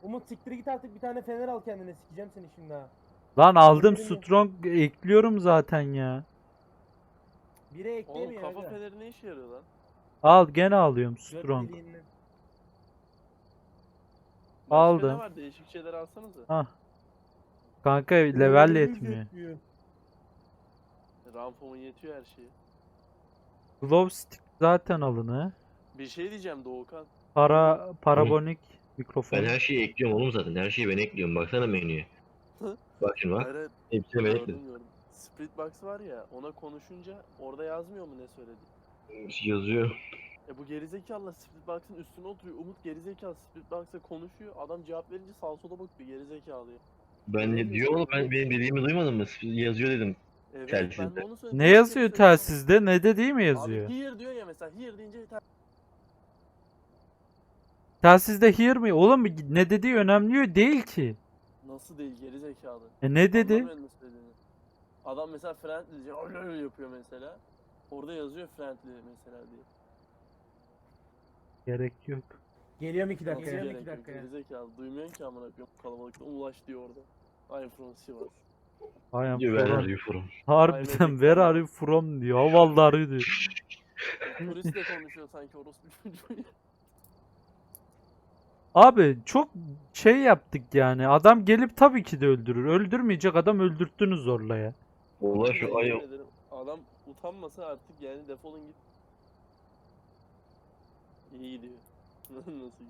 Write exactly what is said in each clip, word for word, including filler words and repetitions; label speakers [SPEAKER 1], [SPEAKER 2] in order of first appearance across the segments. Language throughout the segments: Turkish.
[SPEAKER 1] Umut siktir git artık, bir tane fener al kendine, sikeceğim seni şimdi ha.
[SPEAKER 2] Lan aldım,
[SPEAKER 1] Benim-
[SPEAKER 2] strong ekliyorum zaten ya.
[SPEAKER 1] Bire
[SPEAKER 3] Oğlum
[SPEAKER 1] ekleyemiyor
[SPEAKER 3] kafa
[SPEAKER 1] aga.
[SPEAKER 3] feneri ne işe yarıyor lan?
[SPEAKER 2] Al, gene alıyorum
[SPEAKER 1] Göt
[SPEAKER 2] strong.
[SPEAKER 1] deliğinden.
[SPEAKER 3] Başka ne
[SPEAKER 2] Aldım.
[SPEAKER 3] var? Değişik şeyler alsanıza.
[SPEAKER 2] Ah. Kanka level
[SPEAKER 1] Levelimiz
[SPEAKER 2] yetmiyor.
[SPEAKER 1] yetmiyor.
[SPEAKER 3] Ramfom'un yetiyor her şeyi.
[SPEAKER 2] Glow stick zaten alını.
[SPEAKER 3] Bir şey diyeceğim Doğukan.
[SPEAKER 2] Para parabonik mikrofon.
[SPEAKER 4] Ben her şeyi ekliyorum oğlum zaten. Her şeyi ben ekliyorum. Baksana menüye. Bak şimdi bak.
[SPEAKER 3] Hayır, hayır.
[SPEAKER 4] Hepsini ben
[SPEAKER 3] Gördüm
[SPEAKER 4] ekledim.
[SPEAKER 3] gördüm. Split box var ya, ona konuşunca orada yazmıyor mu ne söyledi?
[SPEAKER 4] Yazıyor.
[SPEAKER 3] E bu gerizekalı split box'ın üstüne oturuyor. Umut gerizekalı split box'a konuşuyor. Adam cevap verince sağa sola bakıyor gerizekalı ya.
[SPEAKER 4] Ben ne diyor oğlum, ben benim dediğimi duymadın mı? Yazıyor dedim.
[SPEAKER 3] Evet
[SPEAKER 4] Telsizde.
[SPEAKER 3] ben de onu söyledim.
[SPEAKER 2] Ne
[SPEAKER 3] Başka bir
[SPEAKER 2] yazıyor
[SPEAKER 3] şey yok.
[SPEAKER 2] telsizde? Ne dediği mi yazıyor?
[SPEAKER 3] Abi here diyor ya mesela, here deyince yeter.
[SPEAKER 2] Telsizde hear mi? Oğlum ne dediği önemli değil ki.
[SPEAKER 3] Nasıl değil gerizekalı.
[SPEAKER 2] E ne dedi?
[SPEAKER 3] Anlamıyorum nasıl dediğini. Adam mesela friendly diye öyle öyle yapıyor mesela. Orada yazıyor friendly mesela diye.
[SPEAKER 2] Gerek yok.
[SPEAKER 1] Geliyorum iki dakika,
[SPEAKER 3] Nasıl
[SPEAKER 1] geliyorum
[SPEAKER 3] gerek
[SPEAKER 1] iki
[SPEAKER 3] yok,
[SPEAKER 1] dakika ya.
[SPEAKER 3] gerizekalı. Duymuyorsun ki amına koyayım kalabalıkta. Ulaş diyor orada. I'm from Sivas.
[SPEAKER 2] I am
[SPEAKER 4] Diyor ben
[SPEAKER 2] from.
[SPEAKER 4] arıyorum.
[SPEAKER 2] Harbiden
[SPEAKER 3] Kaybedecek
[SPEAKER 2] where
[SPEAKER 3] falan.
[SPEAKER 2] are you from diyor. Havaları diyor.
[SPEAKER 3] Turistle konuşuyor sanki orospu çocuğu.
[SPEAKER 2] Abi çok şey yaptık yani. Adam gelip tabii ki de öldürür. Öldürmeyecek adam öldürttünüz zorla ya.
[SPEAKER 4] Ulan
[SPEAKER 3] Ben
[SPEAKER 4] şu ay
[SPEAKER 3] yemin ederim, adam utanmasa artık yani defolun git. İyi gidiyor. Nasıl gidiyor?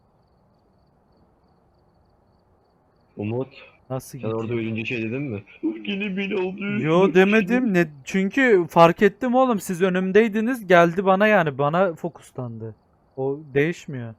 [SPEAKER 4] Umut.
[SPEAKER 2] Nasıl
[SPEAKER 4] Sen
[SPEAKER 2] gidiyor?
[SPEAKER 4] orada ölünce şey dedin mi? Yine beni aldı.
[SPEAKER 2] Yo demedim. Ne çünkü fark ettim oğlum, siz önümdeydiniz, geldi bana, yani bana fokuslandı. O değişmiyor.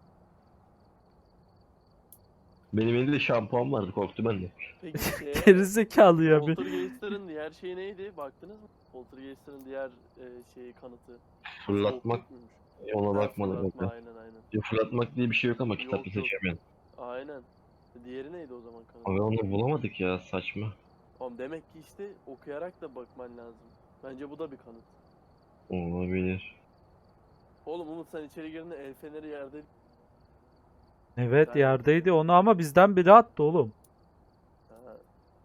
[SPEAKER 4] Benim elimde şampuan vardı, korktu ben de.
[SPEAKER 3] Peki şeye,
[SPEAKER 2] Gerizekalı ya bir.
[SPEAKER 3] Poltergeist'lerin diğer şeyi neydi? Baktınız mı? Poltergeist'lerin diğer e, şeyi kanıtı.
[SPEAKER 4] Fırlatmak.
[SPEAKER 3] Soğukluk muymuş?
[SPEAKER 4] Ona
[SPEAKER 3] Ha,
[SPEAKER 4] bakmadım.
[SPEAKER 3] fırlatma,
[SPEAKER 4] Yok.
[SPEAKER 3] aynen aynen.
[SPEAKER 4] Ya fırlatmak diye bir şey yok ama kitapta
[SPEAKER 3] Yok, yok.
[SPEAKER 4] seçemiyorum.
[SPEAKER 3] Aynen. Diğeri neydi o zaman kanıt?
[SPEAKER 4] Abi onu bulamadık ya, saçma.
[SPEAKER 3] Oğlum demek ki işte okuyarak da bakman lazım. Bence bu da bir kanıt.
[SPEAKER 4] Olabilir.
[SPEAKER 3] Oğlum Umut sen içeri girdiğinde el feneri yerde.
[SPEAKER 2] Evet
[SPEAKER 3] Ben-
[SPEAKER 2] yerdeydi onu, ama bizden biri attı oğlum.
[SPEAKER 3] Ha.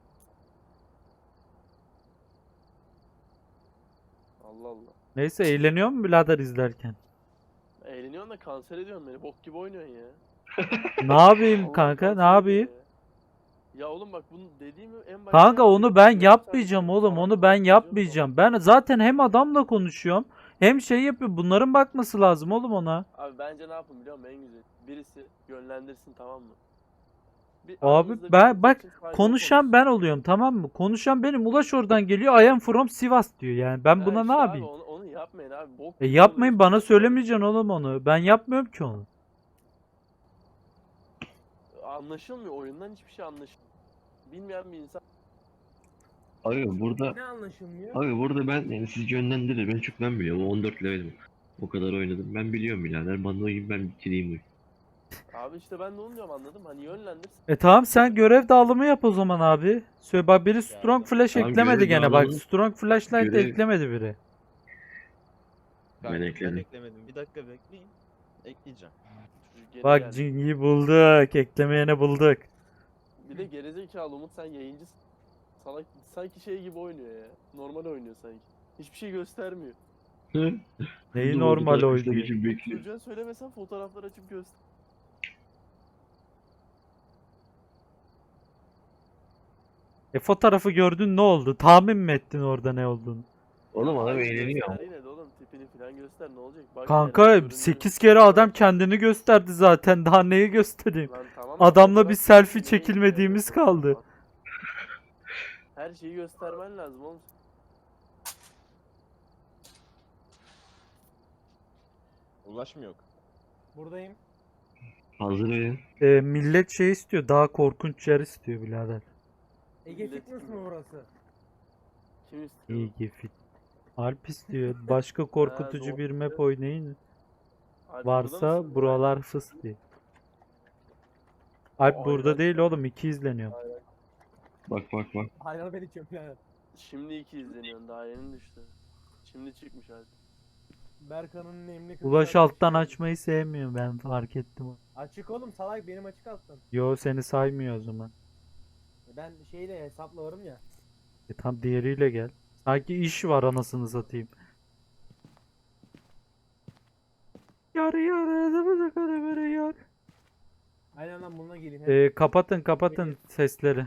[SPEAKER 3] Allah Allah.
[SPEAKER 2] Neyse, eğleniyor mu birader izlerken?
[SPEAKER 3] Eğleniyorsun da kanser ediyorsun beni. Bok gibi oynuyorsun ya.
[SPEAKER 2] Ne yapayım
[SPEAKER 3] Allah
[SPEAKER 2] kanka, ne
[SPEAKER 3] kanser ediyor
[SPEAKER 2] yapayım?
[SPEAKER 3] ya. Ya oğlum bak bunu dediğimi en başta
[SPEAKER 2] Kanka onu
[SPEAKER 3] yaptık.
[SPEAKER 2] ben
[SPEAKER 3] Yarım
[SPEAKER 2] yapmayacağım
[SPEAKER 3] saat
[SPEAKER 2] oğlum,
[SPEAKER 3] sonra
[SPEAKER 2] onu ben
[SPEAKER 3] konuşacağız
[SPEAKER 2] yapmayacağım. Ben zaten hem adamla konuşuyorum hem şey yapıyor. Bunların bakması lazım oğlum ona.
[SPEAKER 3] sonra. Abi bence ne yapın biliyor musun en güzel? Birisi yönlendirsin, tamam mı? Bir
[SPEAKER 2] Abi
[SPEAKER 3] aranızda bir
[SPEAKER 2] ben
[SPEAKER 3] ortak
[SPEAKER 2] bak,
[SPEAKER 3] için saygılı
[SPEAKER 2] konuşan
[SPEAKER 3] konuşsun.
[SPEAKER 2] ben oluyorum, tamam mı? Konuşan benim. Ulaş oradan geliyor, I am from Sivas diyor yani. Ben
[SPEAKER 3] Ha
[SPEAKER 2] buna
[SPEAKER 3] işte
[SPEAKER 2] ne
[SPEAKER 3] abi,
[SPEAKER 2] yapayım?
[SPEAKER 3] onu, onu yapmayın abi. Bok
[SPEAKER 2] E
[SPEAKER 3] gibi
[SPEAKER 2] yapmayın,
[SPEAKER 3] oluyor
[SPEAKER 2] bana
[SPEAKER 3] işte.
[SPEAKER 2] söylemeyeceksin oğlum onu. Ben yapmıyorum ki onu.
[SPEAKER 3] Anlaşılmıyor. Oyundan hiçbir şey anlaşılmıyor. Bilmeyen bir insan.
[SPEAKER 4] Abi burada
[SPEAKER 1] Ne anlaşılmıyor?
[SPEAKER 4] Abi burada ben yani siz yönlendirir. Ben çok ben biliyorum. on dört levelim. O kadar oynadım. Ben biliyorum birader. Bana oyun, ben bitireyim oyunu.
[SPEAKER 3] Abi işte ben de onu diyorum, anladım. Hani yönlendirsin.
[SPEAKER 2] E tamam, sen görev dağılımı yap o zaman abi. Söyle bak, biri strong flash
[SPEAKER 4] Tamam,
[SPEAKER 2] eklemedi
[SPEAKER 4] görev
[SPEAKER 2] gene bak.
[SPEAKER 4] dağılımını-
[SPEAKER 2] Strong flashlight
[SPEAKER 4] görev-
[SPEAKER 2] eklemedi biri.
[SPEAKER 4] Ben ekledim.
[SPEAKER 5] eklemedim. Bir dakika bekleyin. Ekleyeceğim.
[SPEAKER 3] Çocuk geri
[SPEAKER 2] Bak
[SPEAKER 3] geldi.
[SPEAKER 2] Jingi'yi bulduk. Eklemeyene bulduk.
[SPEAKER 3] Bir de gerizekalı Umut, sen yayıncısın. Salak sanki şey gibi oynuyor ya. Normal oynuyor sanki. Hiçbir şey göstermiyor.
[SPEAKER 2] Neyi
[SPEAKER 4] Dur,
[SPEAKER 2] normal
[SPEAKER 4] orada
[SPEAKER 2] oynuyor?
[SPEAKER 4] arkadaşlar için bekliyor.
[SPEAKER 3] Çocuğa söylemesen fotoğraflar açıp göster.
[SPEAKER 2] E fotoğrafı gördün, ne oldu? Tahmin mi ettin orada ne olduğunu?
[SPEAKER 4] Oğlum adam
[SPEAKER 3] Hayır,
[SPEAKER 4] eğleniyor.
[SPEAKER 3] göster yine de oğlum, tipini falan göster, ne olacak? Bak yani,
[SPEAKER 2] Kanka
[SPEAKER 3] göründüğünüz-
[SPEAKER 2] sekiz kere adam kendini gösterdi zaten. Daha neyi göstereyim?
[SPEAKER 3] Lan tamam da
[SPEAKER 2] Adamla
[SPEAKER 3] fotoğraf
[SPEAKER 2] bir selfie
[SPEAKER 3] çekilmeyi
[SPEAKER 2] çekilmediğimiz
[SPEAKER 3] bilmiyor
[SPEAKER 2] kaldı.
[SPEAKER 3] fotoğraf. Her şeyi göstermen lazım oğlum.
[SPEAKER 5] Ulaşım yok.
[SPEAKER 1] Buradayım.
[SPEAKER 4] Hazır verin.
[SPEAKER 2] E, millet şey istiyor. Daha korkunç yer istiyor birader.
[SPEAKER 1] Ege
[SPEAKER 3] Millet
[SPEAKER 1] Fitness
[SPEAKER 3] kim
[SPEAKER 1] mi
[SPEAKER 3] ya?
[SPEAKER 1] burası?
[SPEAKER 3] Kim istiyor?
[SPEAKER 2] İyi ki fit. Alp istiyor. Başka korkutucu
[SPEAKER 3] doğru.
[SPEAKER 2] bir map oynayın.
[SPEAKER 3] Alp, burada
[SPEAKER 2] Varsa
[SPEAKER 3] mısın?
[SPEAKER 2] buralar fıs diye. Alp
[SPEAKER 3] Aa,
[SPEAKER 2] burada
[SPEAKER 3] aynen.
[SPEAKER 2] değil oğlum. iki izleniyor.
[SPEAKER 4] Bak bak bak.
[SPEAKER 1] Hayran ben içiyorum yani.
[SPEAKER 3] Şimdi iki izleniyorsun, daha yeni düştü. Şimdi çıkmış Alp.
[SPEAKER 1] Berkan'ın nemli kız
[SPEAKER 2] Ulaş
[SPEAKER 1] kardeşi.
[SPEAKER 2] alttan açmayı sevmiyor, ben fark ettim.
[SPEAKER 1] Açık oğlum salak, benim açık alttan.
[SPEAKER 2] Yo, seni saymıyor o zaman.
[SPEAKER 1] Ben şeyle hesapla varım ya.
[SPEAKER 2] E tam diğeriyle gel. Sanki iş var anasını satayım. Yar yar adamı da böyle yar.
[SPEAKER 1] Aynen lan bununla geleyim.
[SPEAKER 2] Ee, kapatın kapatın sesleri.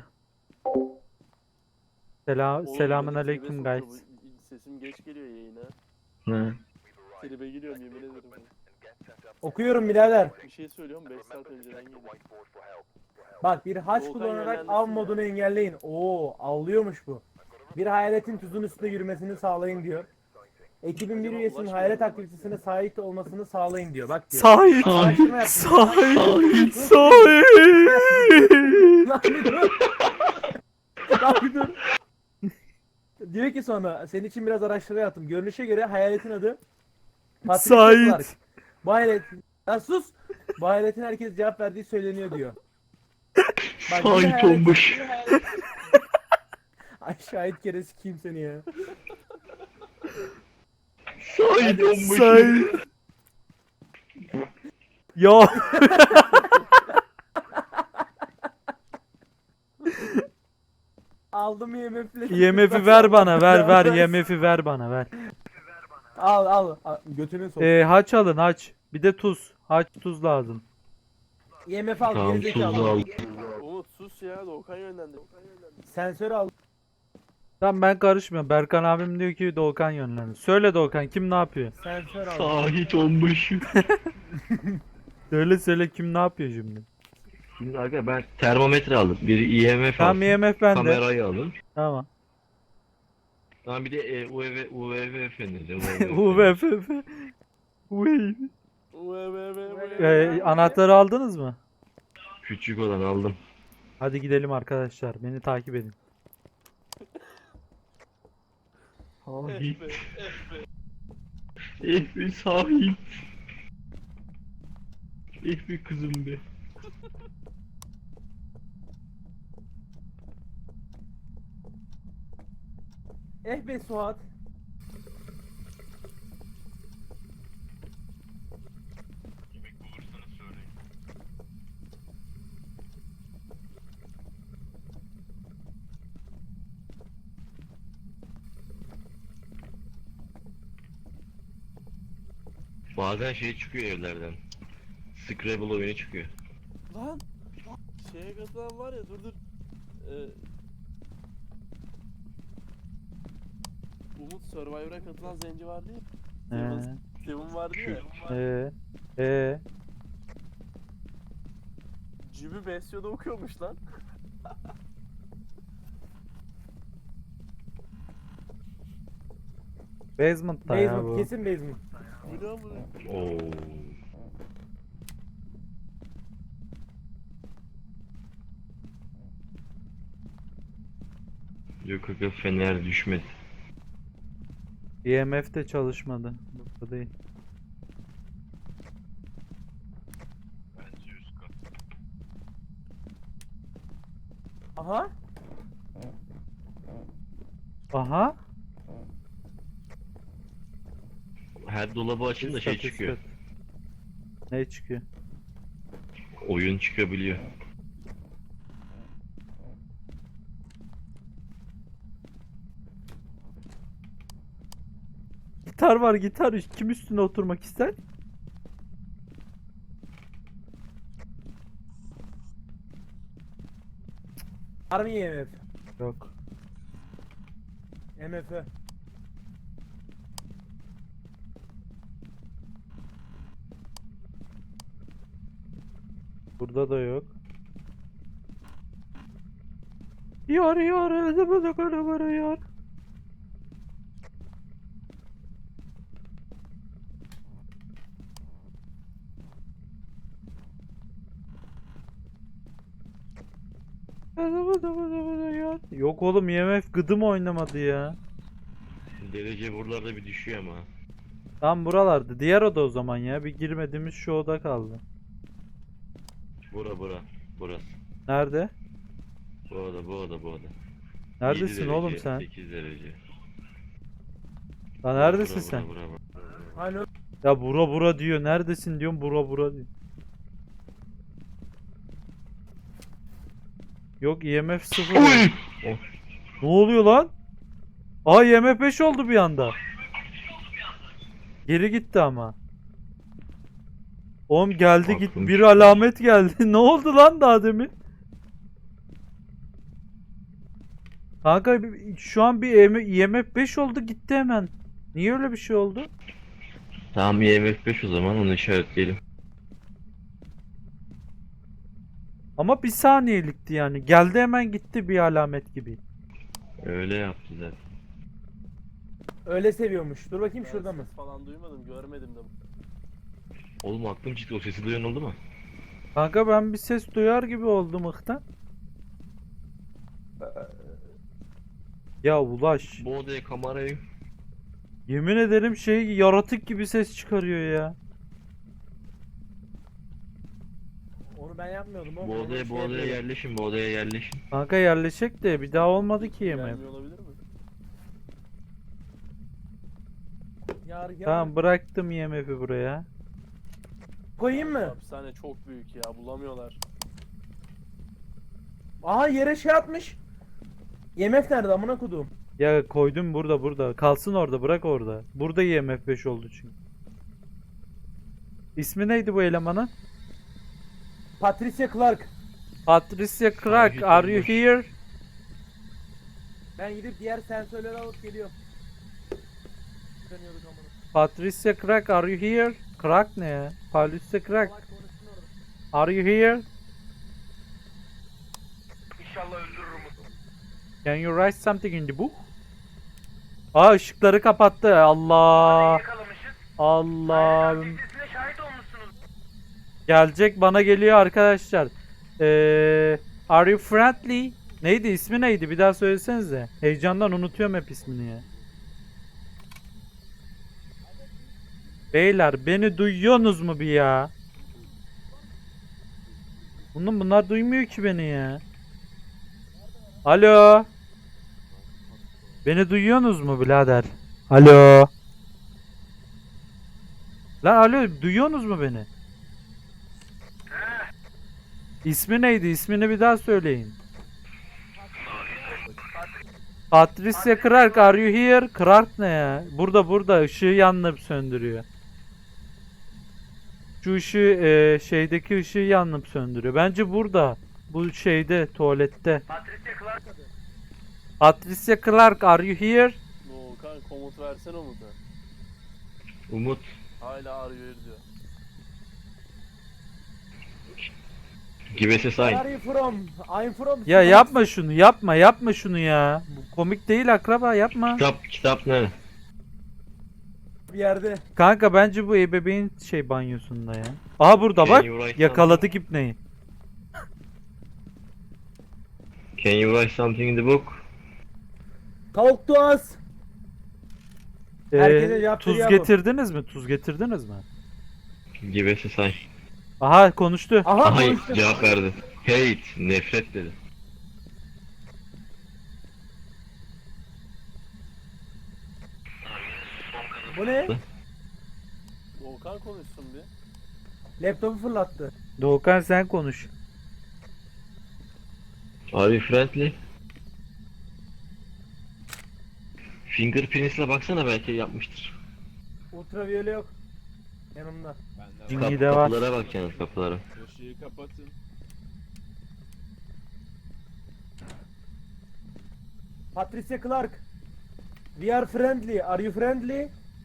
[SPEAKER 2] Selam
[SPEAKER 3] Oğlum
[SPEAKER 2] selamun
[SPEAKER 3] beni tribe
[SPEAKER 2] aleyküm
[SPEAKER 3] sokuyor
[SPEAKER 2] guys.
[SPEAKER 3] bu- Sesim geç geliyor yayına.
[SPEAKER 4] Ha.
[SPEAKER 3] Tribe giriyorum yemin ederim.
[SPEAKER 1] Okuyorum birader.
[SPEAKER 3] Bir şey söylüyorum beş saat önceden geliyor.
[SPEAKER 1] Bak, bir haç
[SPEAKER 3] Volkan
[SPEAKER 1] kullanarak
[SPEAKER 3] yönlendirsin
[SPEAKER 1] av
[SPEAKER 3] ya.
[SPEAKER 1] modunu engelleyin. Oo, avlıyormuş bu. Bir hayaletin tuzun üstünde yürümesini sağlayın diyor. Ekibin bir
[SPEAKER 3] Acaba
[SPEAKER 1] üyesinin
[SPEAKER 3] Ulaş
[SPEAKER 1] hayalet
[SPEAKER 3] mı?
[SPEAKER 1] aktivitesine sahip olmasını sağlayın diyor. Bak diyor.
[SPEAKER 2] Sahip
[SPEAKER 1] Araştırma yapın.
[SPEAKER 2] sahip sahip.
[SPEAKER 1] Lan bir dur. Lan bir dur. Diyor ki sonra, senin için biraz araştırma yaptım. Görünüşe göre hayaletin adı Patricia
[SPEAKER 2] Sait.
[SPEAKER 1] Clark. Bu hayalet... Ya sus! Bu hayaletin herkes cevap verdiği söyleniyor diyor. Bak, bir
[SPEAKER 4] Sait
[SPEAKER 1] hayalet-
[SPEAKER 4] olmuş.
[SPEAKER 1] bir hayalet- Ay şahit keresi kim seni ya?
[SPEAKER 4] Sait olmuş.
[SPEAKER 2] Sahip. Ya
[SPEAKER 1] Aldım I M F'le.
[SPEAKER 2] I M F'i ver bana, ver ver I M F'i ver bana, ver.
[SPEAKER 1] Al al. al. Götünü sok.
[SPEAKER 2] Ee, haç alın haç. Bir de tuz. Haç tuz lazım.
[SPEAKER 1] I M F al.
[SPEAKER 4] Tamam
[SPEAKER 1] gerizekalı.
[SPEAKER 4] tuzlu al.
[SPEAKER 3] Umut sus ya Doğukan yönlendi.
[SPEAKER 1] Sensör al.
[SPEAKER 2] Tamam, ben karışmıyorum. Berkan abim diyor ki Doğukan yönlendir. Söyle Doğukan, kim ne yapıyor?
[SPEAKER 1] Sensör al.
[SPEAKER 4] Sait olmuş.
[SPEAKER 2] Söyle söyle, kim ne yapıyor şimdi?
[SPEAKER 4] Şimdi aga ben termometre aldım. Bir I M F
[SPEAKER 2] Tamam,
[SPEAKER 4] aldım.
[SPEAKER 2] I M F bende.
[SPEAKER 4] Kamerayı alın.
[SPEAKER 2] Tamam.
[SPEAKER 4] Tamam bir de e, U V U V V feneri.
[SPEAKER 2] U V F F. Uy.
[SPEAKER 3] Ve ve ve ve.
[SPEAKER 2] Ee, anahtarı aldınız mı?
[SPEAKER 4] Küçük olan aldım.
[SPEAKER 2] Hadi gidelim arkadaşlar. Beni takip edin.
[SPEAKER 4] Sahip.
[SPEAKER 3] F F.
[SPEAKER 4] Eh be sahip. Eh be kızım be.
[SPEAKER 1] Eh be Suat.
[SPEAKER 4] Bazen şey çıkıyor evlerden. Scrabble oyunu çıkıyor.
[SPEAKER 3] Lan. Şeye katılan var ya dur dur. Ee, Umut Survivor'a katılan zenci vardı ya.
[SPEAKER 2] Ee,
[SPEAKER 3] Steven, Steven vardı ya.
[SPEAKER 2] ee, ee.
[SPEAKER 3] Cibi Besyo'da okuyormuş lan.
[SPEAKER 2] Basement'ta ya
[SPEAKER 1] Basement.
[SPEAKER 2] bu.
[SPEAKER 1] Kesin basement.
[SPEAKER 3] Bu ne amına?
[SPEAKER 4] Oo. Yok aga fener düşmedi.
[SPEAKER 2] I M F de çalışmadı. Burada değil.
[SPEAKER 1] Aha.
[SPEAKER 2] Aha.
[SPEAKER 4] Her dolabı açın da
[SPEAKER 2] Üst
[SPEAKER 4] şey
[SPEAKER 2] kat, üst
[SPEAKER 4] çıkıyor.
[SPEAKER 2] kat. Ne çıkıyor?
[SPEAKER 4] Oyun çıkabiliyor.
[SPEAKER 2] Gitar var, gitar. Kim üstüne oturmak ister?
[SPEAKER 1] Var mı I M F?
[SPEAKER 2] Yok.
[SPEAKER 1] M F.
[SPEAKER 2] Burada da yok. Yar yar zıbıdı karabarı yar. Yok oğlum, I M F gıdım oynamadı ya.
[SPEAKER 4] Derece buralarda bir düşüyor ama.
[SPEAKER 2] Tam buralarda. Diğer oda o zaman ya. Bir girmediğimiz şu oda kaldı.
[SPEAKER 4] Bura bura. Burası.
[SPEAKER 2] Nerede?
[SPEAKER 4] Bu oda bu oda bu oda.
[SPEAKER 2] Neredesin
[SPEAKER 4] yedi
[SPEAKER 2] oğlum
[SPEAKER 4] derece,
[SPEAKER 2] sen?
[SPEAKER 4] sekiz derece.
[SPEAKER 2] Lan
[SPEAKER 4] Bura,
[SPEAKER 2] neredesin
[SPEAKER 4] bura,
[SPEAKER 2] sen?
[SPEAKER 4] Bura, bura, bura.
[SPEAKER 1] Hani
[SPEAKER 2] Ya bura bura diyor. Neredesin diyorum, bura bura diyor. Yok, I M F sıfır.
[SPEAKER 4] Oy!
[SPEAKER 2] Ne oluyor lan? Aa, I M F beş oldu bir anda. Geri gitti ama. Oğlum geldi git,
[SPEAKER 4] Aklım
[SPEAKER 2] bir
[SPEAKER 4] çıktı.
[SPEAKER 2] alamet geldi. Ne oldu lan daha demin? Kanka bir- şu an bir I M F beş oldu gitti hemen. Niye öyle bir şey oldu?
[SPEAKER 4] Tamam I M F beş o zaman onu işaretleyelim.
[SPEAKER 2] Ama bir saniyelikti yani. Geldi hemen gitti bir alamet gibi.
[SPEAKER 4] Öyle yaptı zaten.
[SPEAKER 1] öyle seviyormuş. Dur bakayım
[SPEAKER 3] Ben
[SPEAKER 1] şurada mı?
[SPEAKER 3] ses falan duymadım, görmedim de.
[SPEAKER 4] Oğlum aklım çıktı, o sesi duyan oldu mu?
[SPEAKER 2] Kanka ben bir ses duyar gibi oldum ıhtan. Ya Ulaş.
[SPEAKER 4] Bu odaya kamerayı
[SPEAKER 2] Yemin ederim şey, yaratık gibi ses çıkarıyor ya.
[SPEAKER 1] Onu ben yapmıyordum oğlum.
[SPEAKER 4] bu
[SPEAKER 1] onu
[SPEAKER 4] odaya bu
[SPEAKER 1] şey
[SPEAKER 4] odaya
[SPEAKER 1] yapıyordum.
[SPEAKER 4] yerleşin, bu odaya yerleşin.
[SPEAKER 2] Kanka yerleşecek de bir daha olmadı ki yemek.
[SPEAKER 3] Gelmiyor olabilir mi?
[SPEAKER 1] Yar yar.
[SPEAKER 2] Tamam, bıraktım I M F'i buraya.
[SPEAKER 1] Koyayım mı?
[SPEAKER 3] Hapishane çok büyük ya, bulamıyorlar.
[SPEAKER 1] Aha yere şey atmış. I M F nerede amına kodum?
[SPEAKER 2] Ya koydum burada burada. Kalsın orada, bırak orada. Burada I M F beş oldu çünkü. İsmi neydi bu elemanın?
[SPEAKER 1] Patricia Clark.
[SPEAKER 2] Patricia Clark, are you here?
[SPEAKER 1] Ben gidip diğer sensörleri alıp geliyorum. Dönüyorduk amına.
[SPEAKER 2] Patricia Clark, are you here? Clark ne ya? Patricia Clark,
[SPEAKER 1] Salak konuşsun orada.
[SPEAKER 2] are you here?
[SPEAKER 1] İnşallah öldürürüm onu.
[SPEAKER 2] Can you write something in the book? Aa, ışıkları kapattı. Allah.
[SPEAKER 1] Yakalamışız.
[SPEAKER 2] Allah'ım.
[SPEAKER 1] Sesine şahit olmuşsunuz.
[SPEAKER 2] Gelecek, bana geliyor arkadaşlar. Ee, are you friendly? Neydi, ismi neydi? Bir daha söylesenize. Heyecandan unutuyorum hep ismini ya. Beyler, beni duyuyorsunuz mu bir ya? Bunun bunlar duymuyor ki beni ya. Alo. Beni duyuyorsunuz mu birader? Alo. Lan alo, duyuyorsunuz mu beni? İsmi neydi? İsmini bir daha söyleyin. Patricia Clark, are you here? Clark ne ya? Burada burada, ışığı yanıp söndürüyor. Şu ışığı e, şeydeki ışığı yanıp söndürüyor. Bence burada. Bu şeyde, tuvalette.
[SPEAKER 1] Patricia Clark adı.
[SPEAKER 2] Patricia Clark, are you here?
[SPEAKER 3] Doğukan komut versene Umut'a.
[SPEAKER 4] Umut,
[SPEAKER 3] Hala arıyor diyor.
[SPEAKER 4] give us a
[SPEAKER 1] Where
[SPEAKER 4] sign.
[SPEAKER 1] are you from? I'm from.
[SPEAKER 2] Ya yapma şunu, yapma, yapma şunu ya. Bu komik değil akraba, yapma.
[SPEAKER 4] Kitap, kitap nerede?
[SPEAKER 1] Bir yerde.
[SPEAKER 2] Kanka bence bu ebeveyn şey banyosunda ya. Aha burada
[SPEAKER 4] Can
[SPEAKER 2] bak.
[SPEAKER 4] you write
[SPEAKER 2] Yakaladık ipneyi.
[SPEAKER 4] Can you write something in the book?
[SPEAKER 1] Talk to us. Herkese
[SPEAKER 2] Ee,
[SPEAKER 1] cevap
[SPEAKER 2] tuz
[SPEAKER 1] veriyor bu.
[SPEAKER 2] getirdiniz mi? Tuz getirdiniz mi?
[SPEAKER 4] Give us a sign.
[SPEAKER 2] Aha, konuştu.
[SPEAKER 1] Aha
[SPEAKER 4] Aha
[SPEAKER 1] konuştu.
[SPEAKER 4] cevap verdi. Hate, nefret dedi.
[SPEAKER 1] Bu ne?
[SPEAKER 3] Doğukan konuşsun bir.
[SPEAKER 1] Laptopu fırlattı.
[SPEAKER 2] Doğukan sen konuş.
[SPEAKER 4] Are you friendly? Fingerprints'le baksana, belki yapmıştır.
[SPEAKER 1] Ultraviyole yok. Yanımda.
[SPEAKER 5] Ben de
[SPEAKER 2] Dingi
[SPEAKER 4] Kap-
[SPEAKER 2] de var.
[SPEAKER 4] kapılara bak yalnız, kapılara.
[SPEAKER 5] Işığı kapatın.
[SPEAKER 1] Patricia Clark. We are friendly. Are you friendly?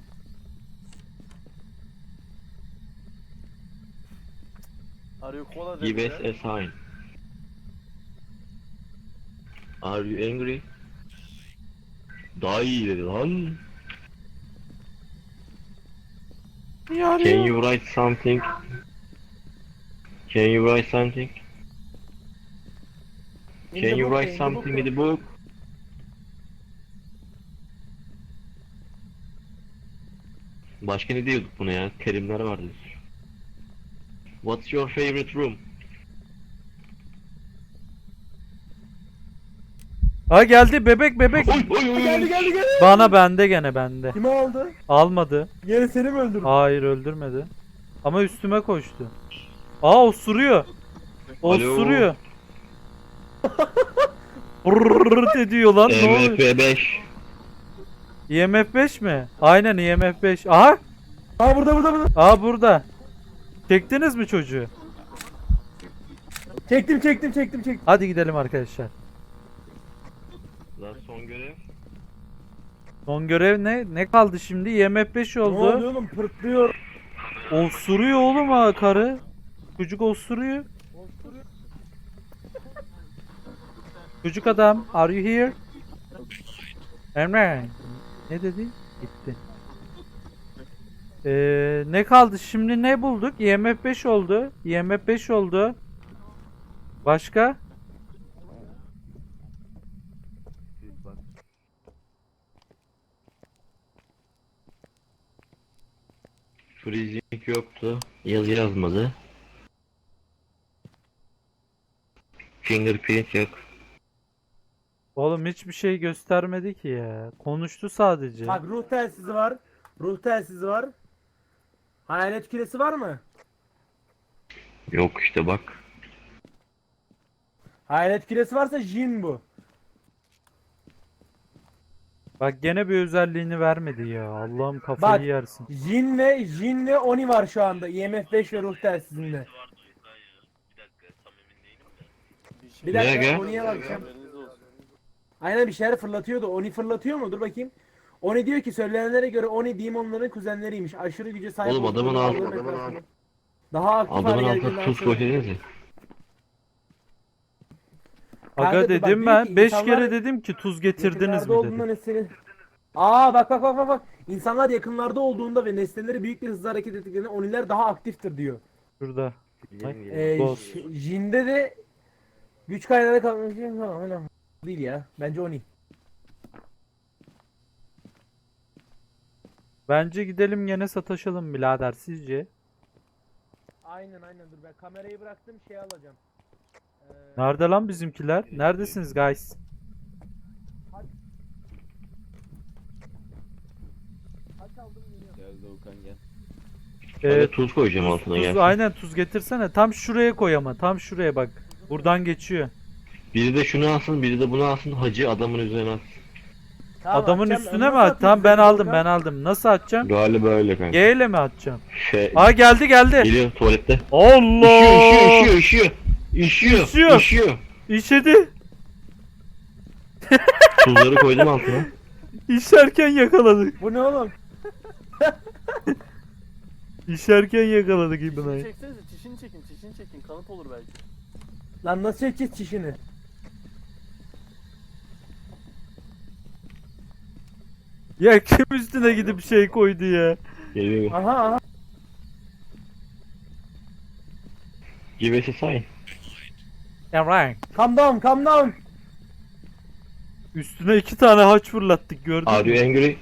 [SPEAKER 3] Arıyor kola
[SPEAKER 4] Give
[SPEAKER 3] dedi
[SPEAKER 4] us
[SPEAKER 3] ya.
[SPEAKER 4] a sign. Are you angry? Daha iyi dedi lan. Can you write something? Can you write something?
[SPEAKER 1] In
[SPEAKER 4] Can
[SPEAKER 1] the
[SPEAKER 4] you
[SPEAKER 1] book,
[SPEAKER 4] write
[SPEAKER 1] in the
[SPEAKER 4] something
[SPEAKER 1] book.
[SPEAKER 4] in the book? Başka ne diyorduk buna ya? Terimler vardı. What's your favorite room?
[SPEAKER 2] Ha geldi bebek bebek.
[SPEAKER 4] Oy oy oy.
[SPEAKER 1] Geldi geldi geldi.
[SPEAKER 2] Bana bende gene bende.
[SPEAKER 1] Kimi aldı?
[SPEAKER 2] Almadı.
[SPEAKER 1] Yine seni mi öldürdü?
[SPEAKER 2] Hayır öldürmedi. Ama üstüme koştu. Aa osuruyor. Osuruyor. Brrrrt ediyor lan ne oluyor?
[SPEAKER 4] M F beş.
[SPEAKER 2] I M F beş mi? Aynen I M F beş. Aha!
[SPEAKER 1] Aa burada burada burada.
[SPEAKER 2] Aa burada. Çektiniz mi çocuğu?
[SPEAKER 1] Çektim çektim çektim çektim.
[SPEAKER 2] Hadi gidelim arkadaşlar.
[SPEAKER 4] Lan son görev.
[SPEAKER 2] Son görev ne? Ne kaldı şimdi? I M F beş
[SPEAKER 1] Ne oluyor
[SPEAKER 2] oldu.
[SPEAKER 1] oğlum? Pırtlıyor.
[SPEAKER 2] Osuruyor oğlum ha karı. Çocuk osuruyor. Çocuk adam, are you here? Emre. Ne dedi? Gitti. Ee, ne kaldı? Şimdi ne bulduk? I M F beş oldu. I M F beş oldu. Başka?
[SPEAKER 4] Freezing yoktu. Yazı yazmadı. Fingerprint yok.
[SPEAKER 2] Oğlum hiçbir şey göstermedi ki ya. Konuştu sadece.
[SPEAKER 1] Bak ruh telsizi var. Ruh telsizi var. Hayalet küresi var mı?
[SPEAKER 4] Yok işte bak.
[SPEAKER 1] Hayalet küresi varsa Jin bu.
[SPEAKER 2] Bak gene bir özelliğini vermedi ya. Allah'ım kafayı
[SPEAKER 1] Bak.
[SPEAKER 2] yersin.
[SPEAKER 1] Jin ve Jin ve Oni var şu anda. I M F beş ve ruh telsizinde. Bir
[SPEAKER 4] Ne
[SPEAKER 1] dakika
[SPEAKER 4] aga?
[SPEAKER 1] Oni'ye bakacağım.
[SPEAKER 3] Haberiniz olsun.
[SPEAKER 1] Aynen bir şeyler fırlatıyordu. Oni fırlatıyor mu? Dur bakayım. Oni diyor ki söylenenlere göre Oni demonların kuzenleriymiş. Aşırı güce sahip
[SPEAKER 4] Oğlum, adamın
[SPEAKER 1] oldukları
[SPEAKER 4] altı-
[SPEAKER 1] dağların
[SPEAKER 4] adamın
[SPEAKER 1] etrafında. Daha aktif
[SPEAKER 4] Adamın
[SPEAKER 1] hale
[SPEAKER 4] altına
[SPEAKER 1] geldiğinden
[SPEAKER 4] tuz
[SPEAKER 1] sonra.
[SPEAKER 4] koydunuz ya.
[SPEAKER 2] Aga
[SPEAKER 1] Kanka, bak
[SPEAKER 2] dedim
[SPEAKER 1] diyor
[SPEAKER 2] ben.
[SPEAKER 1] ki
[SPEAKER 2] beş
[SPEAKER 1] insanlar
[SPEAKER 2] kere dedim ki tuz getirdiniz
[SPEAKER 1] yakınlarda
[SPEAKER 2] mi
[SPEAKER 1] olduğunda
[SPEAKER 2] dedim.
[SPEAKER 1] nesneleri... Aa bak bak bak bak bak. İnsanlar yakınlarda olduğunda ve nesneleri büyük bir hızla hareket ettiklerinde Oniler daha aktiftir diyor.
[SPEAKER 2] Şurada.
[SPEAKER 1] Ee,
[SPEAKER 2] Boss.
[SPEAKER 1] J- Jin'de de güç kaynağı kalmış falan öyle değil ya. Bence Oni.
[SPEAKER 2] Bence gidelim gene sataşalım birader sizce?
[SPEAKER 1] Aynen aynen dur ben kamerayı bıraktım şey alacağım. Ee,
[SPEAKER 2] Nerede lan bizimkiler? Neredesiniz guys?
[SPEAKER 1] Kaç aldım geliyorum.
[SPEAKER 5] Gel Doğukan gel.
[SPEAKER 4] Ben
[SPEAKER 2] Ee,
[SPEAKER 4] de tuz koyacağım altına
[SPEAKER 2] tuz,
[SPEAKER 4] gelsin.
[SPEAKER 2] aynen tuz getirsene. Tam şuraya koy ama. Tam şuraya bak. Buradan geçiyor.
[SPEAKER 4] Biri de şunu alsın, biri de bunu alsın. Hacı adamın üzerine at.
[SPEAKER 1] Tamam,
[SPEAKER 2] Adamın
[SPEAKER 1] atacağım.
[SPEAKER 2] üstüne
[SPEAKER 1] Nasıl
[SPEAKER 2] mi at?
[SPEAKER 1] atayım
[SPEAKER 2] Tamam ben
[SPEAKER 1] size
[SPEAKER 2] aldım
[SPEAKER 1] Volkan?
[SPEAKER 2] ben aldım. Nasıl atacağım?
[SPEAKER 4] Galiba öyle kanka.
[SPEAKER 2] G ile mi atacağım?
[SPEAKER 4] Şey,
[SPEAKER 2] Aa geldi geldi.
[SPEAKER 4] geliyor tuvalette.
[SPEAKER 2] Allah!
[SPEAKER 4] Üşüyor, üşüyor, üşüyor. Üşüyor,
[SPEAKER 2] Üşüyor.
[SPEAKER 4] üşüyor.
[SPEAKER 2] İşedi.
[SPEAKER 4] Tuzları koydum altına.
[SPEAKER 2] İşerken yakaladık.
[SPEAKER 1] Bu ne oğlum?
[SPEAKER 2] İşerken yakaladık
[SPEAKER 3] Çişini
[SPEAKER 2] İbna'yı.
[SPEAKER 3] çeksenize, çişini çekin, çişini çekin. Kanıt olur belki.
[SPEAKER 1] Lan nasıl çekeceğiz çişini?
[SPEAKER 2] Ya kim üstüne gidip şey koydu ya?
[SPEAKER 4] Geliyor.
[SPEAKER 1] Aha aha.
[SPEAKER 4] Give us a sign.
[SPEAKER 2] Alright.
[SPEAKER 1] Calm down calm down.
[SPEAKER 2] Üstüne iki tane haç fırlattık gördün
[SPEAKER 4] Are you
[SPEAKER 2] mü?
[SPEAKER 4] angry?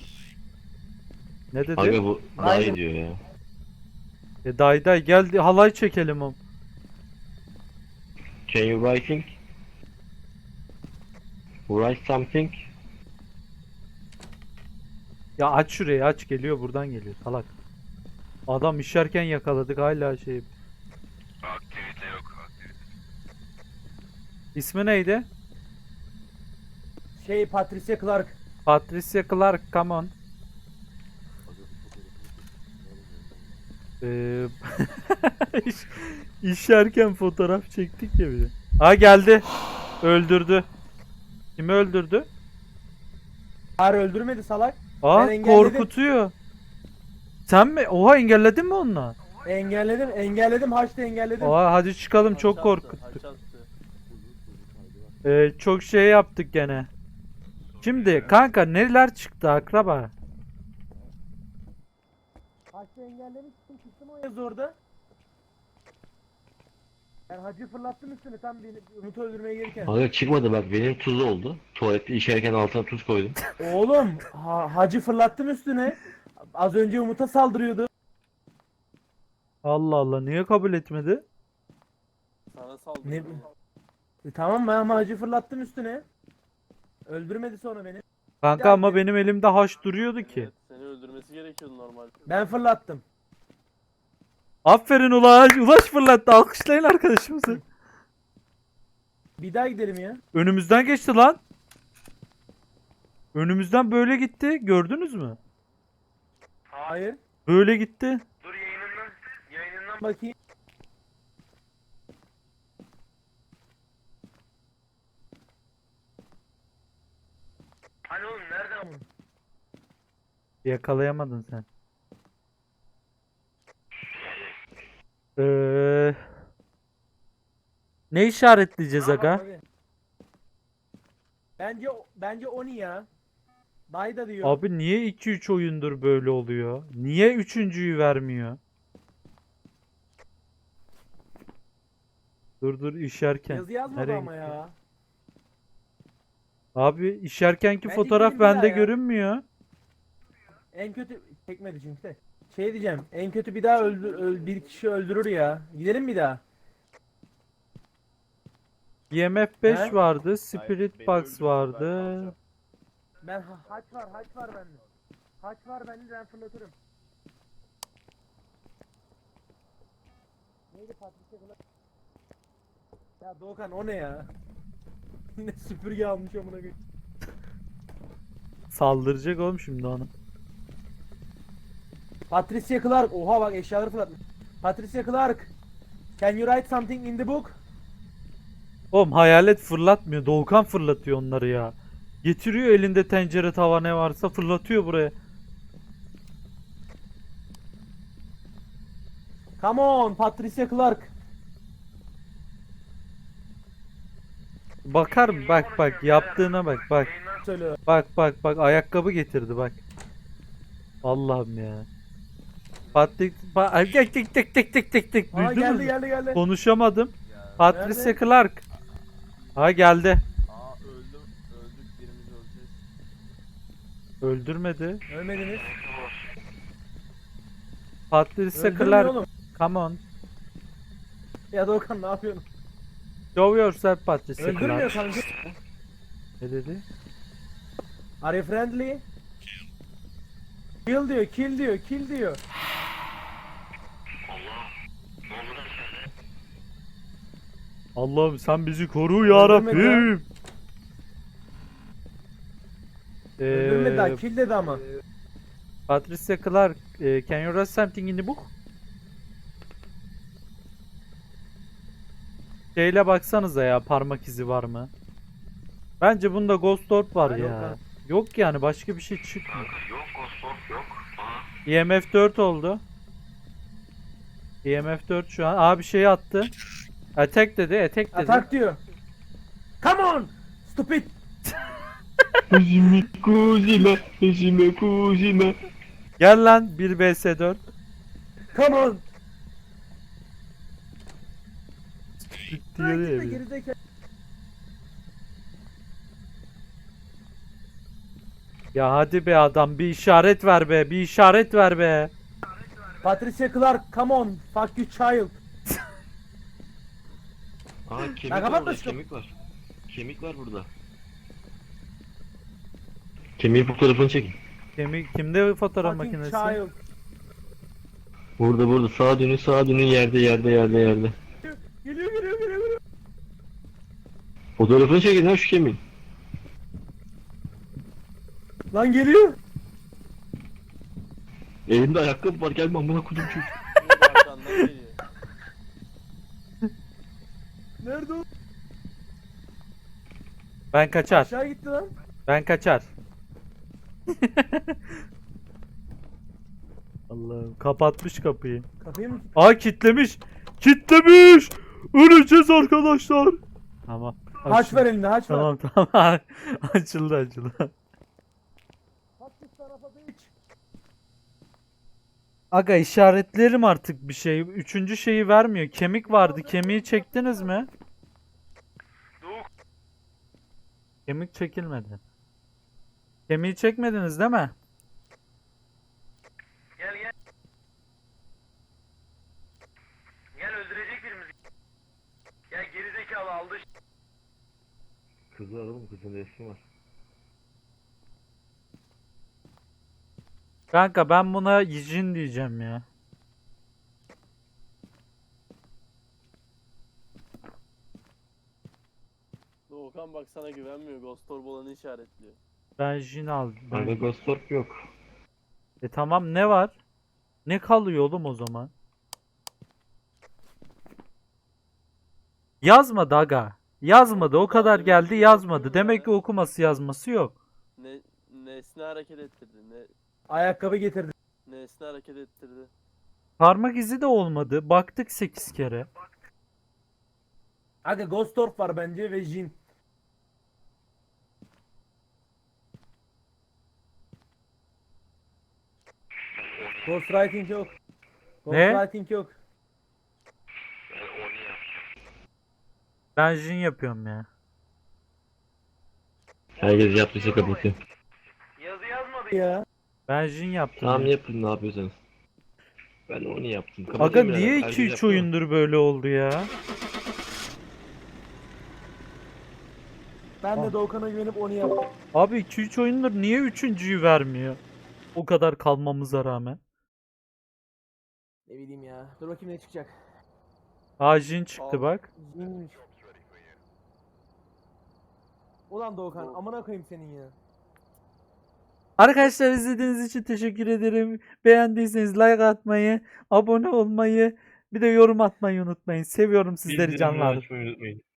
[SPEAKER 2] Ne dedi?
[SPEAKER 4] Aga bu daha
[SPEAKER 1] Aynen.
[SPEAKER 4] iyi diyor ya.
[SPEAKER 2] E day day gel halay çekelim o.
[SPEAKER 4] Can you writing? Write something?
[SPEAKER 2] Ya aç şurayı aç geliyor buradan geliyor salak. Adam işerken yakaladık hala şey.
[SPEAKER 6] Aktivite yok. Aktivite.
[SPEAKER 2] İsmi neydi?
[SPEAKER 1] Şey Patricia Clark.
[SPEAKER 2] Patricia Clark come on. Ee, iş, işerken fotoğraf çektik ya bir de. Ha geldi. Öldürdü. Kimi öldürdü?
[SPEAKER 1] Hayır öldürmedi salak.
[SPEAKER 2] Aa
[SPEAKER 1] Ben engelledim.
[SPEAKER 2] korkutuyor. Sen mi? Oha engelledin mi onu?
[SPEAKER 1] Engelledim engelledim haçta engelledim.
[SPEAKER 2] Oha hadi çıkalım çok
[SPEAKER 3] Haç attı,
[SPEAKER 2] korkuttuk.
[SPEAKER 3] haç attı.
[SPEAKER 2] Ee, çok şey yaptık gene. Şimdi kanka neler çıktı akraba?
[SPEAKER 1] Haçta engellemiştim çıktım o yazı orada. Ben hacı fırlattım üstüne tam beni Umut'u öldürmeye gelirken.
[SPEAKER 4] Aga çıkmadı bak benim tuz oldu. Tuvalette işerken altına tuz koydum.
[SPEAKER 1] Oğlum ha, hacı fırlattım üstüne. Az önce Umut'a saldırıyordu.
[SPEAKER 2] Allah Allah niye kabul etmedi?
[SPEAKER 3] Sana saldırdı.
[SPEAKER 1] Ne- E, tamam ben ama hacı fırlattım üstüne. Öldürmedi sonra beni.
[SPEAKER 2] Kanka ama benim elimde haş duruyordu ki.
[SPEAKER 3] Evet, seni öldürmesi gerekiyordu normalde.
[SPEAKER 1] Ben fırlattım.
[SPEAKER 2] Aferin Ulaş. Ulaş fırlattı. Alkışlayın arkadaşımızı.
[SPEAKER 1] Bir daha gidelim ya.
[SPEAKER 2] Önümüzden geçti lan. Önümüzden böyle gitti. Gördünüz mü?
[SPEAKER 1] Hayır.
[SPEAKER 2] Böyle gitti.
[SPEAKER 6] Dur yayınından. Yayınından.
[SPEAKER 1] Bakayım.
[SPEAKER 6] Hani oğlum nereden?
[SPEAKER 2] Yakalayamadın sen. Ee, ne işaretleyeceğiz aga?
[SPEAKER 1] Abi. Bence bence Oni ya. Dayda diyor.
[SPEAKER 2] Abi niye iki üç oyundur böyle oluyor? Niye üçüncüyü vermiyor? Dur dur işerken.
[SPEAKER 1] Yazı yazmadı
[SPEAKER 2] Nereye
[SPEAKER 1] ama
[SPEAKER 2] gitti?
[SPEAKER 1] ya.
[SPEAKER 2] Abi işerkenki
[SPEAKER 1] Bence
[SPEAKER 2] fotoğraf
[SPEAKER 1] gidelim bir
[SPEAKER 2] bende
[SPEAKER 1] daha ya.
[SPEAKER 2] görünmüyor.
[SPEAKER 1] En kötü çekmedi çünkü de. Şey diyeceğim. En kötü bir daha öldür, öl- bir kişi öldürür ya. Gidelim bir daha.
[SPEAKER 2] E M F beş
[SPEAKER 1] He?
[SPEAKER 2] vardı, Spirit
[SPEAKER 5] beni
[SPEAKER 2] Box
[SPEAKER 5] öldürsün, ben
[SPEAKER 2] vardı.
[SPEAKER 5] kalacağım.
[SPEAKER 1] Ben ha- haç var, haç var bende. Haç var bende, ben fırlatırım. Neydi Patricia Clark? Ya Doğukan o ne ya? Ne süpürge almış amına koyayım.
[SPEAKER 2] Saldıracak oğlum şimdi onu.
[SPEAKER 1] Patricia Clark. Oha bak eşyaları fırlatmış. Patricia Clark. Can you write something in the book?
[SPEAKER 2] Oğlum hayalet fırlatmıyor. Doğukan fırlatıyor onları ya. Getiriyor elinde tencere tava ne varsa fırlatıyor buraya.
[SPEAKER 1] Come on Patricia Clark.
[SPEAKER 2] Bakar mı? Bak bak yaptığına bak bak.
[SPEAKER 1] Söylüyor.
[SPEAKER 2] Bak bak bak ayakkabı getirdi bak. Allah'ım ya. Patrik pa Ay, tek tek tek tek tek tek tek
[SPEAKER 1] Aa
[SPEAKER 2] duydunuz
[SPEAKER 1] geldi
[SPEAKER 2] mu?
[SPEAKER 1] geldi geldi.
[SPEAKER 2] Konuşamadım.
[SPEAKER 5] Ya,
[SPEAKER 2] Patricia
[SPEAKER 1] Nerede?
[SPEAKER 2] Clark. Ha geldi.
[SPEAKER 5] aa öldüm. Öldük birimiz öleceğiz.
[SPEAKER 2] Öldürmedi.
[SPEAKER 1] Ölmediniz.
[SPEAKER 2] Patricia
[SPEAKER 1] Öldürmüyor
[SPEAKER 2] Clark.
[SPEAKER 1] oğlum.
[SPEAKER 2] Come on.
[SPEAKER 1] Ya Doğukan ne yapıyorsun?
[SPEAKER 2] Show yourself Patricia
[SPEAKER 1] Öldürmüyor
[SPEAKER 2] Clark.
[SPEAKER 1] kanka.
[SPEAKER 2] Ne dedi?
[SPEAKER 1] Are you friendly? Kill diyor, kill diyor, kill diyor.
[SPEAKER 2] Allah'ım sen bizi koru ya
[SPEAKER 1] Öldürmedi
[SPEAKER 2] Rabbim.
[SPEAKER 1] Öldürmedi daha,
[SPEAKER 2] Ee,
[SPEAKER 1] kill dedi ama.
[SPEAKER 2] Patricia Clark, eh, can you write something in the book? Şeyle baksanıza ya parmak izi var mı? Bence bunda Ghost Orb var
[SPEAKER 1] Yok
[SPEAKER 2] ya.
[SPEAKER 1] ha.
[SPEAKER 2] Yok yani başka bir şey çıkmıyor.
[SPEAKER 6] Yok Ghost yok. Aha.
[SPEAKER 2] E M F dört oldu. E M F dört şu an. Abi şeyi attı. Attack dedi, attack dedi.
[SPEAKER 1] Atak diyor. Come on! Stupid!
[SPEAKER 4] Hejime kuzime, hejime kuzime.
[SPEAKER 2] Gel lan bir vs dört.
[SPEAKER 1] Come on!
[SPEAKER 2] Gitti
[SPEAKER 1] Lan
[SPEAKER 2] yarı
[SPEAKER 1] gitme
[SPEAKER 2] evi.
[SPEAKER 1] gerizekalı.
[SPEAKER 2] Ya hadi be adam bir işaret ver be, bir işaret ver be.
[SPEAKER 1] Patricia Clark, come on! Fuck you child!
[SPEAKER 4] Aa kemik
[SPEAKER 1] Ben
[SPEAKER 4] var burada,
[SPEAKER 1] kapatmıştım.
[SPEAKER 4] kemik var. Kemik var burada. Kemiğin fotoğrafını çekin.
[SPEAKER 2] Kemik kimde fotoğraf
[SPEAKER 1] Fucking
[SPEAKER 2] makinesi?
[SPEAKER 1] child!
[SPEAKER 4] Burada burada sağa dönün sağa dönün yerde yerde yerde yerde.
[SPEAKER 1] Geliyor geliyor geliyor geliyor.
[SPEAKER 4] Fotoğrafını çekin ha şu kemiğin.
[SPEAKER 1] Lan geliyor.
[SPEAKER 4] Elimde ayakkabı var gelme amına kodum çocuk.
[SPEAKER 3] Bu arkandan geliyor.
[SPEAKER 1] Nerede o?
[SPEAKER 2] Ben kaçar.
[SPEAKER 1] Aşağı gitti lan.
[SPEAKER 2] Ben kaçar. Allah'ım kapatmış kapıyı.
[SPEAKER 1] Kapıyı mı?
[SPEAKER 2] Aa kitlemiş. Kitlemiş. Öleceğiz arkadaşlar. Tamam.
[SPEAKER 1] Haç
[SPEAKER 2] açıldı.
[SPEAKER 1] ver elinde haç ver.
[SPEAKER 2] Tamam tamam. açıldı açıldı.
[SPEAKER 1] Haç this tarafa bitch.
[SPEAKER 2] Aga işaretlerim artık bir şey. Üçüncü şeyi vermiyor. Kemik vardı. Kemiği çektiniz mi? Kemik çekilmedi. Kemiği çekmediniz değil mi?
[SPEAKER 6] Gel gel. Gel öldürecek birimizi. Gel gerizekalı aldı.
[SPEAKER 4] Kızı alalım kızın resmi var.
[SPEAKER 2] Kanka ben buna Yijin diyeceğim ya.
[SPEAKER 3] Doğukan bak sana güvenmiyor. Ghost Orb olanı işaretliyor.
[SPEAKER 2] Ben Jin aldım.
[SPEAKER 4] Kanka Ghost Orb yok.
[SPEAKER 2] E tamam ne var? Ne kalıyor oğlum o zaman? Yazmadı aga. Yazmadı. O kadar geldi yazmadı. Demek ki okuması yazması yok.
[SPEAKER 3] Ne nesne hareket ettirdi. Ne
[SPEAKER 1] Ayakkabı getirdi.
[SPEAKER 3] nesne hareket ettirdi.
[SPEAKER 2] Parmak izi de olmadı. Baktık sekiz kere.
[SPEAKER 1] Aga Ghost Orb var bence ve Jin. Ghostwriting yok.
[SPEAKER 2] Ne?
[SPEAKER 1] Ghostwriting yok.
[SPEAKER 6] Ben onu yapacağım.
[SPEAKER 2] Ben Jin yapıyorum ya.
[SPEAKER 4] Herkes yaptıysa kapatıyor.
[SPEAKER 6] Yazı yazmadı.
[SPEAKER 1] Ya.
[SPEAKER 2] Ben Jin yaptım.
[SPEAKER 4] Tamam
[SPEAKER 2] ya.
[SPEAKER 4] yapın ne yapıyorsanız. Ben onu yaptım.
[SPEAKER 2] Aga
[SPEAKER 4] Kapatıyorum
[SPEAKER 2] niye
[SPEAKER 4] birader,
[SPEAKER 2] iki
[SPEAKER 4] herkes
[SPEAKER 2] üç
[SPEAKER 4] yaptı mı?
[SPEAKER 2] oyundur böyle oldu ya?
[SPEAKER 1] Ben
[SPEAKER 2] Ah.
[SPEAKER 1] de Doğukan'a güvenip onu yaptım.
[SPEAKER 2] Abi iki üç oyundur niye üçüncüyü vermiyor? O kadar kalmamıza rağmen.
[SPEAKER 1] Ne bileyim ya. Dur bakayım ne çıkacak.
[SPEAKER 2] Aa Jin çıktı
[SPEAKER 3] Al.
[SPEAKER 2] bak.
[SPEAKER 1] Jinmiş. Ulan Doğukan
[SPEAKER 3] Doğu-
[SPEAKER 1] amına koyayım senin ya.
[SPEAKER 2] Arkadaşlar izlediğiniz için teşekkür ederim. Beğendiyseniz like atmayı, abone olmayı, bir de yorum atmayı unutmayın. Seviyorum sizleri
[SPEAKER 4] Bildirimleri
[SPEAKER 2] canlar.
[SPEAKER 4] açmayı unutmayın.